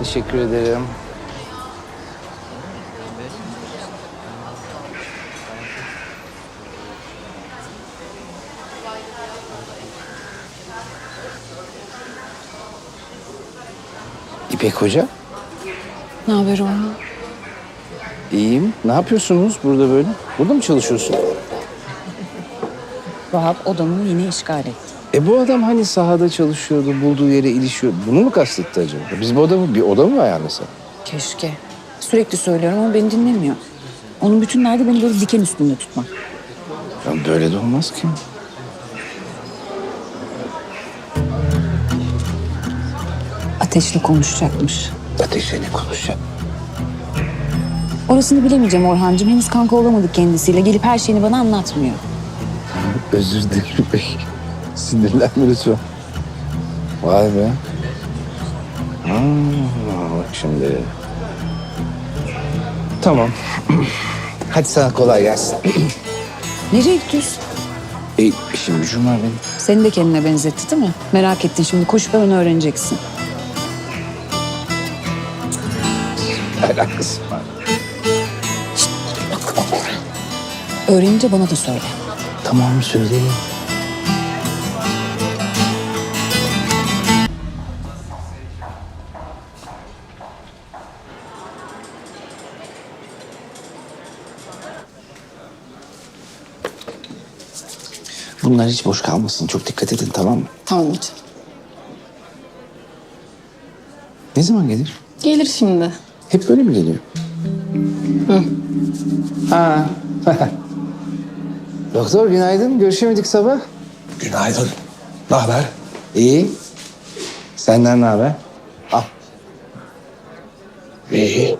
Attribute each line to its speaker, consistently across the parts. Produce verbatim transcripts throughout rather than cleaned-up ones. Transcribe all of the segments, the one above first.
Speaker 1: Teşekkür ederim. İpek Hoca.
Speaker 2: Ne haber Orhan?
Speaker 1: İyiyim. Ne yapıyorsunuz burada böyle? Burada mı çalışıyorsun?
Speaker 2: Vahap odamı yine işgal etti.
Speaker 1: E bu adam hani sahada çalışıyordu, bulduğu yere ilişiyor. Bunu mu kastetti acaba? Biz bu odamı, bir oda mı ayarlasak?
Speaker 2: Keşke. Sürekli söylüyorum ama beni dinlemiyor. Onun bütün derdi beni böyle diken üstünde tutmak.
Speaker 1: Ya böyle de olmaz ki.
Speaker 2: Ateşle konuşacakmış.
Speaker 1: Ateşle ne konuşacak?
Speaker 2: Orasını bilemeyeceğim Orhancığım. Henüz kanka olamadık kendisiyle. Gelip her şeyini bana anlatmıyor.
Speaker 1: Özür dilerim İpek. Sinirlenme lütfen. Vay be. Ha, bak şimdi. Tamam. Hadi sana kolay gelsin.
Speaker 2: Nereye gidiyorsun?
Speaker 1: E, işim gücüm var benim.
Speaker 2: Seni de kendine benzetti değil mi? Merak ettin şimdi. Koşup hemen öğreneceksin.
Speaker 1: Alakası var.
Speaker 2: Öğrenince bana da söyle.
Speaker 1: Tamam söyleyeyim. Bunlar hiç boş kalmasın. Çok dikkat edin, tamam mı?
Speaker 3: Tamam hocam.
Speaker 1: Ne zaman gelir?
Speaker 3: Gelir şimdi.
Speaker 1: Hep böyle mi geliyor? Hı. Ha. Doktor günaydın. Görüşemedik sabah.
Speaker 4: Günaydın. Ne haber?
Speaker 1: İyi. Senden ne haber? Al.
Speaker 4: İyi.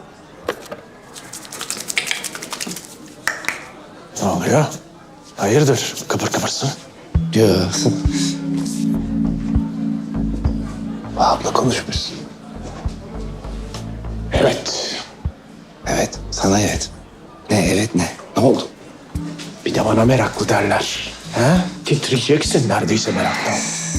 Speaker 4: Ne oluyor? Hayırdır? Kıpır kıpırsın.
Speaker 1: Diyor. Abla konuşmuşsun.
Speaker 4: Evet.
Speaker 1: Evet. Sana evet. Ne evet ne? Ne oldu?
Speaker 4: Bir de bana meraklı derler. He? Titriyeceksin neredeyse meraktan.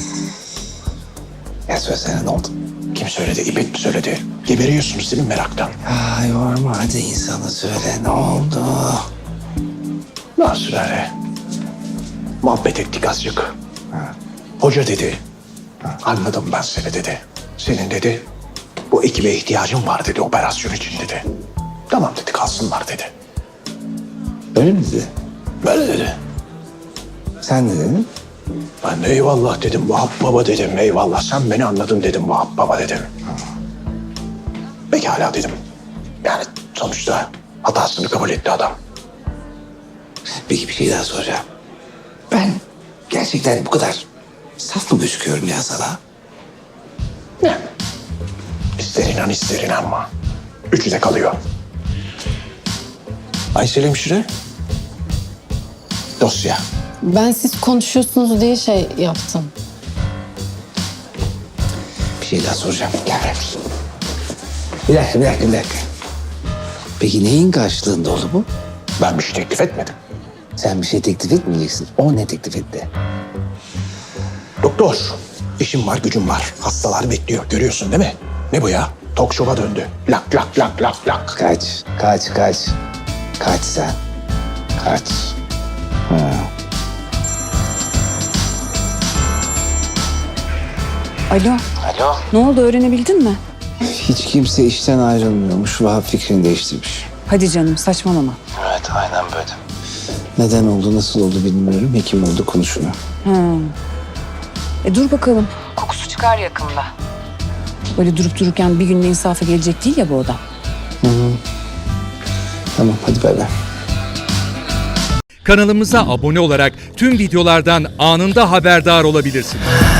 Speaker 1: Ya söylesene ne oldu?
Speaker 4: Kim söyledi? İpek mi söyledi? Geberiyorsunuz değil mi meraktan?
Speaker 1: Ay yorma hadi insana söyle ne oldu?
Speaker 4: Nasıl öyle? Muhabbet ettik azıcık.
Speaker 1: Ha.
Speaker 4: Hoca dedi. Anladım ben seni dedi. Senin dedi. Bu ekibe ihtiyacın var dedi operasyon için dedi. Tamam dedi kalsınlar dedi.
Speaker 1: Öyle mi dedi?
Speaker 4: Böyle dedi.
Speaker 1: Sen ne dedin?
Speaker 4: Ben de eyvallah dedim Vahap baba dedim. Eyvallah sen beni anladın dedim Vahap baba dedim. Pekala dedim. Yani sonuçta hatasını kabul etti adam.
Speaker 1: Peki bir şey daha soracağım. Ben gerçekten bu kadar saf mı gözüküyorum ya sana?
Speaker 4: Ne? İster inan ister inanma. Üçü de kalıyor. Aysel hemşire. Dosya.
Speaker 3: Ben siz konuşuyorsunuz diye şey yaptım.
Speaker 1: Bir şey daha soracağım. Gel ver. Bir dakika, bir dakika, bir dakika. Peki neyin karşılığında oldu bu?
Speaker 4: Ben bir şey teklif etmedim.
Speaker 1: Sen bir şey teklif etmeyeceksin. O ne teklif etti?
Speaker 4: Doktor. İşim var gücüm var. Hastalar bekliyor. Görüyorsun değil mi? Ne bu ya? Talk show'a döndü. Lak lak lak lak lak.
Speaker 1: Kaç, kaç, kaç. Kaç sen. Kaç. Ha.
Speaker 2: Alo.
Speaker 1: Alo.
Speaker 2: Ne oldu öğrenebildin mi?
Speaker 1: Hiç kimse işten ayrılmıyormuş. Vahap fikrini değiştirmiş.
Speaker 2: Hadi canım saçmalama.
Speaker 1: Evet, aynen böyle. Neden oldu, nasıl oldu bilmiyorum. Hekim oldu, konuşuyor.
Speaker 2: Ha. E dur bakalım. Kokusu çıkar yakında. Böyle durup dururken bir günde insafa gelecek değil ya bu adam.
Speaker 1: Tamam, hadi bay bay.
Speaker 5: Kanalımıza abone olarak tüm videolardan anında haberdar olabilirsiniz.